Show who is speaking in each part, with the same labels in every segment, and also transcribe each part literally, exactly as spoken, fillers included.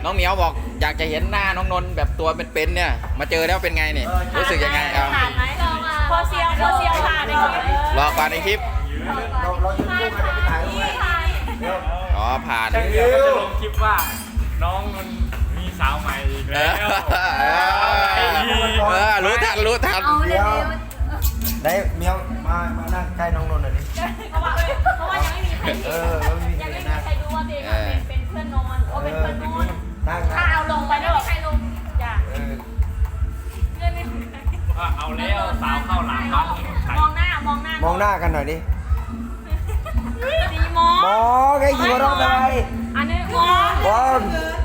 Speaker 1: น้องเหมียวบอกอยากจะเห็นหน้าน้องนนท์แบบตัวเป็นๆเนี่ยมาเจอแล้วเป็นไงเนี่ยรู้สึกยังไงครับ
Speaker 2: ผ่านไหมพอเซียวพอเซียวผ่านในคลิป
Speaker 1: รอก่อนในคลิป
Speaker 3: เราเรายืนคู่กันไปถ่ายรูปไหมเดี๋ยว
Speaker 1: อ๋อผ่าน
Speaker 4: ช่างเดียวก็จะลงคลิปว่าน้องมันมีสาวใหม่อีก
Speaker 1: เอ
Speaker 4: แล้
Speaker 1: อ
Speaker 4: ว
Speaker 1: เออเออรู้ทันรู้ทัน
Speaker 3: เดี๋ยวได้เมียวมามานั่งใกล้น้องนนท์หน่อยดิ
Speaker 2: เพราะว่าเพราะว่ายังไม่มีใคร
Speaker 3: เออไม่มี
Speaker 2: ยัง
Speaker 3: ใคร
Speaker 2: ไม่มี
Speaker 3: นั่ง
Speaker 2: ใครรู้ว่าตัวเองเป็นเป็นเพื่อนนอนโอ้เป็นเพื่อนนอน
Speaker 3: นั่ง
Speaker 2: ถ้า
Speaker 3: นะ
Speaker 2: เอาลงไปไม่มีใครลงจ้ะ
Speaker 3: เออ
Speaker 2: เพื่อนไม่มีใคร
Speaker 4: ว่าเอาแล้วสาวเข้าหลังบ้านใคร
Speaker 2: มองหน้ามองหน้าม
Speaker 3: องหน้ากันหน่อยดิ
Speaker 2: สีมอง
Speaker 3: มองไอ้กี่รอบไป
Speaker 2: อันนี้มอง
Speaker 3: มอง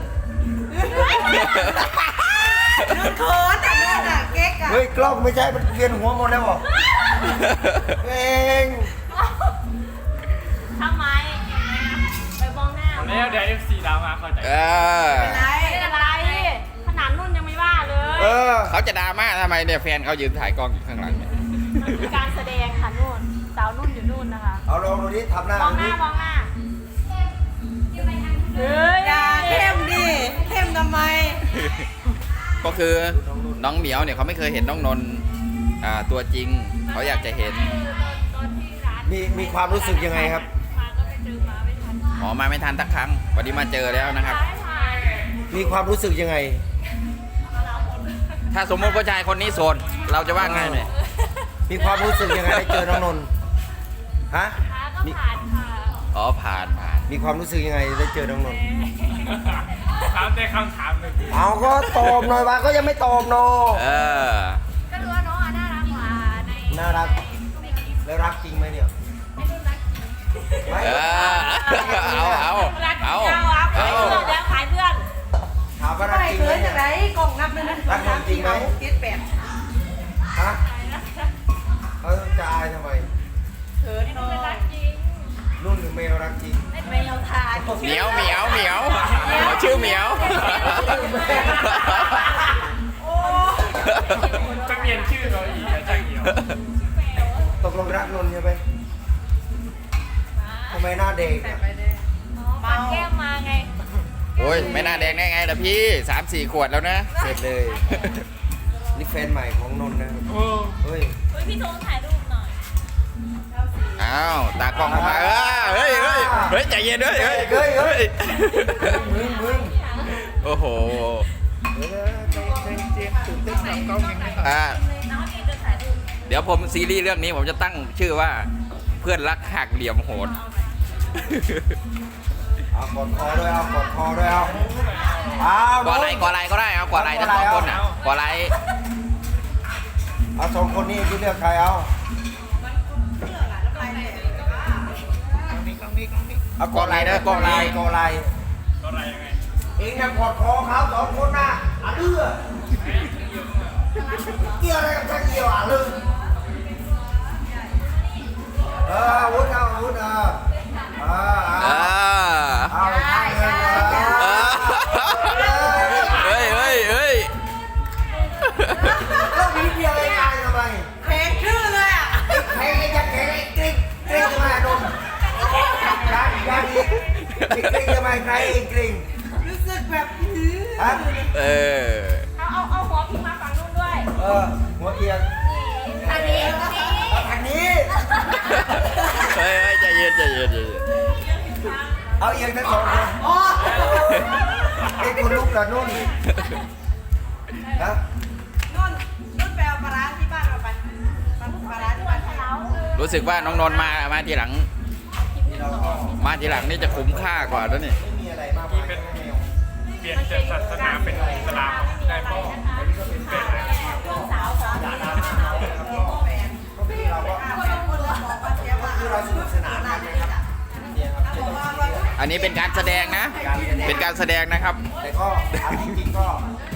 Speaker 5: โค้ดแต่นู่นอ่ะเก๊กอ่ะ
Speaker 3: เฮ้ยกล้องไม่ใช่มันเวียนหัวหมดแล้วบอกเอง
Speaker 2: ทำไมไปมองหน้า
Speaker 4: เอาแล้วเดี๋ยวเอฟซีดราม่าเข้าใจ
Speaker 1: เออ
Speaker 5: ไร
Speaker 2: เป็นอะไรขนาดนุ่นยังไม่ว่าเลย
Speaker 3: เออ
Speaker 1: เขาจะดราม่าทำไมเนี่ยแฟนเขายืนถ่ายกล้องอยู่ข้างหลังเนี่ย
Speaker 2: มันคือการแสดงค่ะนุ่นสาวนุ่นอยู่นุ่นนะคะ
Speaker 3: เอาลองดูดิทำหน้าม
Speaker 2: อง
Speaker 3: ดู
Speaker 2: ห
Speaker 3: ดิ
Speaker 2: น้ามองหน้าเฮ้ย
Speaker 5: อย่าเข้มดิเข้มทำไม
Speaker 1: ก็คือน้องเหมียวเนี่ยเขาไม่เคยเห็นน้องนนท์อ่าตัวจริงเขาอยากจะเห็น
Speaker 2: ตอนที่ร้าน
Speaker 3: มีมีความรู้สึกยังไงครับ
Speaker 2: มาก็ไปเจอมาไม่ทัน
Speaker 1: หมอมาไม่ทันสักครั้งวันนี้มาเจอแล้วนะครับ
Speaker 2: ไม่ทัน
Speaker 3: มีความรู้สึกยังไง
Speaker 1: ถ้าสมมติผู้ชายคนนี้โสดเราจะว่าไงเนี่ย
Speaker 3: มีความรู้สึกยังไงได้เจอน้องนนท์ฮะ
Speaker 2: ขาก็ผ่านค่ะ
Speaker 1: อ๋อผ่านผ่าน
Speaker 3: มีความรู้สึกยังไงได้เจอน้องนนท์
Speaker 4: ถามได้คำถามหนึ่ง
Speaker 3: เอาก็ตอบหน่อยว่าก็ยังไม่ตอบเนาะ
Speaker 1: เออ
Speaker 2: ก็ดูว่าน้องอ่ะน่ารักกว่าใน
Speaker 3: น่ารัก แล้วรักจริงไหมเนี่ย
Speaker 2: ไม่รู้รัก
Speaker 3: ไม่
Speaker 1: เออเอาเอา
Speaker 2: รัก
Speaker 1: เอา
Speaker 2: เจ้าครับ
Speaker 1: เอา
Speaker 2: เพื่อนเดี๋ยวขายเพื่อน
Speaker 3: ถามว่ารัก
Speaker 5: ไป
Speaker 3: จริงไหม
Speaker 5: เขิน
Speaker 3: เนี่
Speaker 5: จาย กไหนกล่องนับเลยนะ
Speaker 3: รักจริงไหม
Speaker 5: เจ็ดแปด
Speaker 3: ฮะเขาจะอายทำไม
Speaker 5: เขินน้อ
Speaker 2: ไม่รั
Speaker 5: ย
Speaker 2: กจริง
Speaker 3: นุ่นหรือเมลรักจริง
Speaker 2: ไม่เอาทาน
Speaker 1: เหมียวเหมียวเหมียวชื่อเหมียว
Speaker 4: จะเปลี่ยนชื่อเราอีกนะช่างเดียว
Speaker 3: ตกลงรักนนท์ใช่ไหมทำไมหน้าเด็กอะ
Speaker 2: อ๋อปัดแก้มมาไง
Speaker 1: โอ้ยไม่น่าแดงได้ไงล่ะพี่สามสี่ขวดแล้วนะ
Speaker 3: เสร็จเลย นี่แฟนใหม่ของนนท์นะครับ
Speaker 4: โอ้
Speaker 3: เฮ้ย
Speaker 2: เฮ้ยพี่โทงถ่ายรูปหน่อย
Speaker 1: อ้าวตากล้องเข้ามาเออเฮ้ยเฮ้ยเฮ้ยใจเย็นด้วยเฮ้ย
Speaker 3: เฮ้ยเฮ้
Speaker 1: เฮ้
Speaker 3: ย
Speaker 1: ย
Speaker 3: มึงมึง
Speaker 1: โอ้โห
Speaker 3: เออใจใจเย็นตื่นเต้นกับกล้องยังไม่
Speaker 1: อ่า
Speaker 2: น้องเองจะถ่ายรูป
Speaker 1: เดี๋ยวผมซีรีส์เรื่องนี้ผมจะตั้งชื่อว่าเพื่อนรักหักเหลี่ยมโหด
Speaker 3: เอากดคอด้วยเอากดคอด้วยเอาเอา
Speaker 1: กออะไรกออะไรก็ได้เอากออะไรทั้งสองคนอ่ะกออะไร
Speaker 3: เอาสองคนนี้ที่เลือกใครเอาเอากดอะไรนะกดอะไรกดอะไร
Speaker 4: ก็อะไรยังไง
Speaker 3: เองนะกดคอเขาสองคนนะอ่ะเลือเกี่ยวอะไรกับช่างเกี่ยวอ่ะลืมเออวุ้นเอาวุ้นเออเออ
Speaker 1: เอ
Speaker 3: เอา
Speaker 1: อ
Speaker 3: เอาทางเงินเอ
Speaker 1: เอ
Speaker 3: อ
Speaker 1: อเฮ้ยเฮ้ยเฮ้ย
Speaker 3: แล้วมีเดียวเองอายทำไม
Speaker 5: แพงชื่อเลยอ่ะ
Speaker 3: ใครจะแข่งไอ้กริ๊งกริ๊งทำไมโดนยังยังอีกไอ้กริ๊งทำไมใครไอ้กริ๊ง
Speaker 5: รู้สึกแบบอื้อ
Speaker 3: ฮะ
Speaker 1: เออ
Speaker 2: เอาเอาเอาหัวพิงมาฝั่งนู้นด้วย
Speaker 3: เออหัวเอียง
Speaker 2: อันนี้อันนี้
Speaker 3: เอาทางนี้
Speaker 1: เฮ้ยเฮ้ยใจเย็นใจเย็นใจเย็น
Speaker 3: เอาเอียงทั้งสองคน
Speaker 5: อ๋อ
Speaker 3: ไอ้คนลุกละนุ่นฮะ
Speaker 5: นุ่นนุ่นไปเอาปลาร้าที่บ้านเราไปปลาร้าที่บ้านเรา
Speaker 1: รู้สึกว่าน้องนนท์มามาทีหลัง
Speaker 3: นี่เราก็
Speaker 1: มาทีหลังนี่จะคุ้มค่ากว่าแล้วนี่
Speaker 3: ไม่มีอะไรมากมายนะแมว
Speaker 4: เปลี่ยนจากศาสนาเป็นอิสลามได้ป่ะเป็นอะไร
Speaker 2: สาวของ
Speaker 3: ก็คือเราก็คือเราสนุกสนานกันนะครับเนี่ยครับเป็นต้องซีเรียส
Speaker 1: อันนี้เป็นการแสดงนะ
Speaker 3: การแสดง
Speaker 1: เป็นการแสดงนะครับ
Speaker 3: แต่ก็เอาจริงๆก็